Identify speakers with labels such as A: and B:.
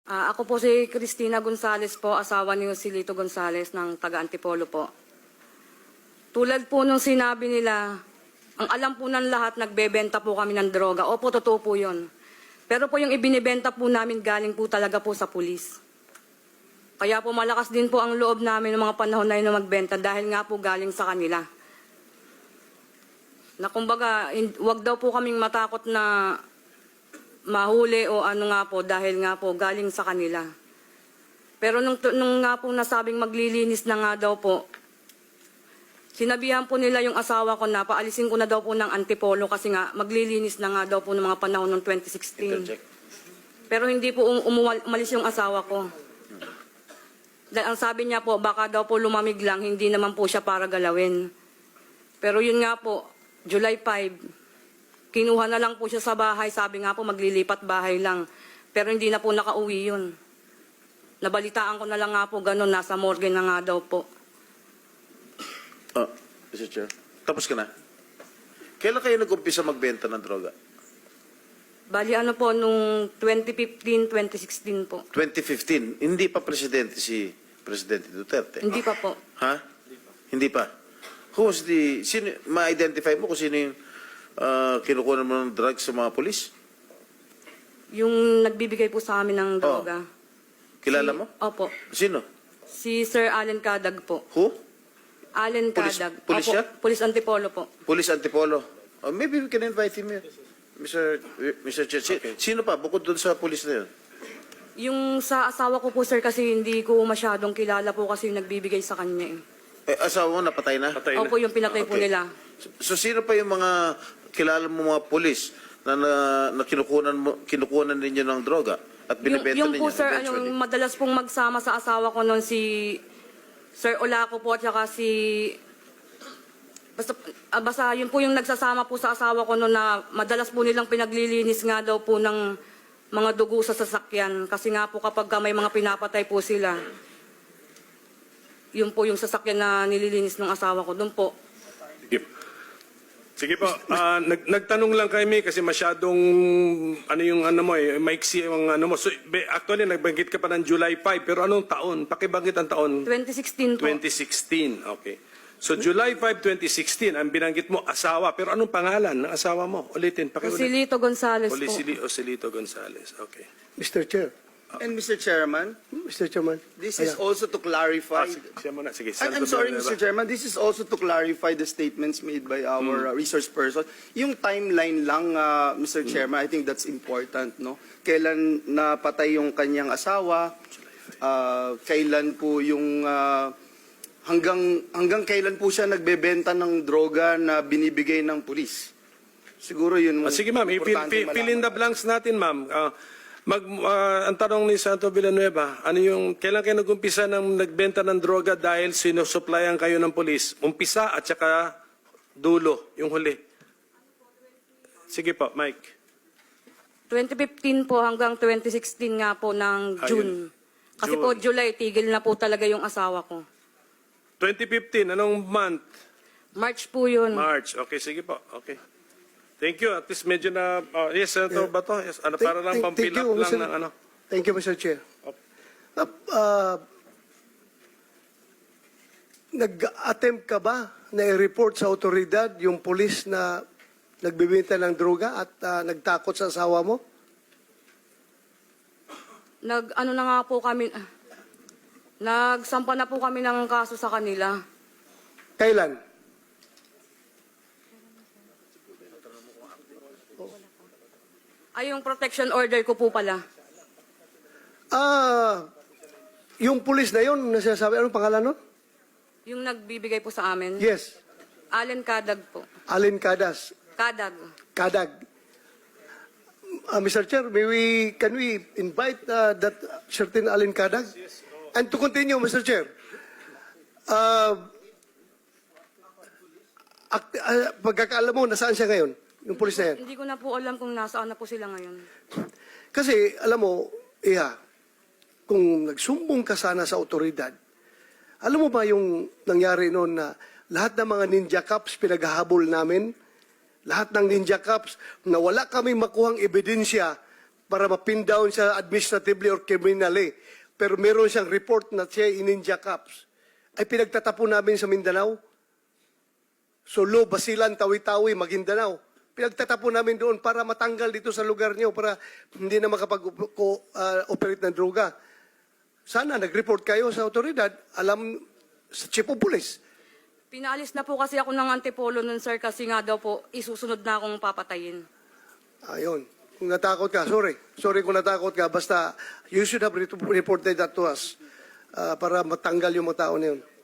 A: Ako po si Cristina Gonzales po, asawa ni Joselito Gonzales ng taga Antipolo po. Tulad po nung sinabi nila, ang alam po ng lahat, nagbebenta po kami ng droga. Opo, totoo po yun. Pero po yung ibinibenta po namin galing po talaga po sa pulis. Kaya po malakas din po ang loob namin ng mga panahon na yun na magbenta dahil nga po galing sa kanila. Na kumbaga, wag daw po kaming matakot na mahuli o ano nga po dahil nga po galing sa kanila. Pero nung nga po nasabing maglilinis na nga daw po, sinabihan po nila yung asawa ko na paalisin ko na daw po ng Antipolo kasi nga maglilinis na nga daw po ng mga panahon ng 2016. Pero hindi po umalis yung asawa ko. Dahil ang sabi niya po, baka daw po lumamig lang, hindi naman po siya para galawin. Pero yun nga po, July 5, kinuha na lang po siya sa bahay. Sabi nga po, maglilipat bahay lang. Pero hindi na po nakauwi yun. Nabalitaan ko na lang nga po, ganun, nasa morgue na nga daw po.
B: Mr. Chair. Tapos ka na? Kailan kayo nag-umpisa magbenta ng droga?
A: Bali ano po, nung 2015, 2016 po.
B: 2015. Hindi pa presidente si Presidente Duterte?
A: Hindi pa po.
B: Ha? Hindi pa. Who was the... Ma-identify mo kung sino yung kinukuha mo ng drugs sa mga polis?
A: Yung nagbibigay po sa amin ng droga.
B: Kilala mo?
A: Opo.
B: Sino?
A: Si Sir Allen Cadag po.
B: Who?
A: Allen
B: Pulis-
A: Cadag.
B: pulis
A: Opo,
B: siya?
A: Pulis Antipolo po.
B: Police Antipolo. Maybe we can invite him here. Mr. Chair. Sino pa? Bukod doon sa police na yun?
A: Yung sa asawa ko po, sir, kasi hindi ko masyadong kilala po kasi yung nagbibigay sa kanya eh.
B: Asawa mo, napatay na?
C: Patay na.
A: Opo, yung pinatay po
B: Okay.
A: nila.
B: So sino pa yung mga kilala mo mga polis na kinukunan ninyo ng droga at binibenta
A: Yung
B: ninyo
A: po, sir,
B: eventually?
A: yung madalas pong magsama sa asawa ko noon si Sir Olaco po at saka si... Basta yun po yung nagsasama po sa asawa ko noon na madalas po nilang pinaglilinis nga daw po ng mga dugo sa sasakyan. Kasi nga po kapag may mga pinapatay po sila, yun po yung sasakyan na nililinis ng asawa ko. Doon po.
C: Sige po. Nagtanong lang kami kasi masyadong ano yung ano mo maiksi yung ano mo. So, actually nagbanggit ka pa ng July 5 pero anong taon? Pakibanggit ang taon?
A: 2016 po.
C: 2016. Okay. So July 5, 2016 ang binanggit mo asawa pero anong pangalan ng asawa mo? Ulitin.
A: Joselito Gonzales po.
C: Joselito Gonzales. Okay.
D: Mr. Chair.
E: And Mr. Chairman,
D: Mr. Chairman.
E: this is also to clarify.
C: Siya muna. Sige.
E: I'm sorry, Mr. Chairman, this is also to clarify the statements made by our resource person. Yung timeline lang, Mr. Chairman, I think that's important, no? Kailan napatay yung kanyang asawa? Kailan po yung hanggang kailan po siya nagbebenta ng droga na binibigay ng pulis? Siguro yun.
C: Sige ma'am, fill in the blanks natin ma'am. Ang tanong ni Santo Villanueva, ano yung, kailan kayo nag-umpisa ng nagbenta ng droga dahil sinusuplayan kayo ng polis? Umpisa at saka dulo, yung huli. Sige po, Mike.
A: 2015 po hanggang 2016 nga po ng June. Kasi
C: June.
A: po July, tigil na po talaga yung asawa ko.
C: 2015, anong month?
A: March po yun.
C: March. Okay, sige po. Okay. Thank you. At least medyo na, yes, Senator Bato. Yes, ano, para lang pang-fill up lang ng ano.
D: Thank you, Mr. Chair. Nag-attempt ka ba na i-report sa otoridad yung polis na nagbibenta ng droga at nagtakot sa asawa mo?
A: Ano na nga po kami, nagsampa na po kami ng kaso sa kanila.
D: Kailan?
A: Ay, yung protection order ko po pala.
D: Yung polis na yun, nasasabi, anong pangalan nun?
A: Yung nagbibigay po sa amin.
D: Yes,
A: Allen Cadag po.
D: Allen Cadas.
A: Cadag.
D: Kadag. Mr. Chair, can we invite that certain Allen Kadag? And to continue, Mr. Chair, pagkakaalam mo, nasaan siya ngayon? Yung polis na yan?
A: Hindi ko na po alam kung nasaan na po sila ngayon.
D: Kasi, alam mo, kung nagsumbong ka sana sa otoridad, alam mo ba yung nangyari noon na lahat ng mga ninja cops pinaghahabol namin? Lahat ng ninja cops na wala kami makuhang ebidensya para mapin down siya administratively or criminally. Pero meron siyang report na siya in-Ninja Cups. Ay pinagtatapon namin sa Mindanao. Solo, Basilan, Tawi-Tawi, Maguindanao. Pinagtatapon namin doon para matanggal dito sa lugar niyo para hindi na makapag-operate ng droga. Sana nag-report kayo sa otoridad, alam sa chief of police.
A: Pinaalis na po kasi ako ng Antipolo nun, sir, kasi nga daw po, isusunod na akong papatayin.
D: Ayun. Kung natakot ka, sorry. Sorry kung natakot ka. Basta, you should have reported that to us para matanggal yung mga tao na yun.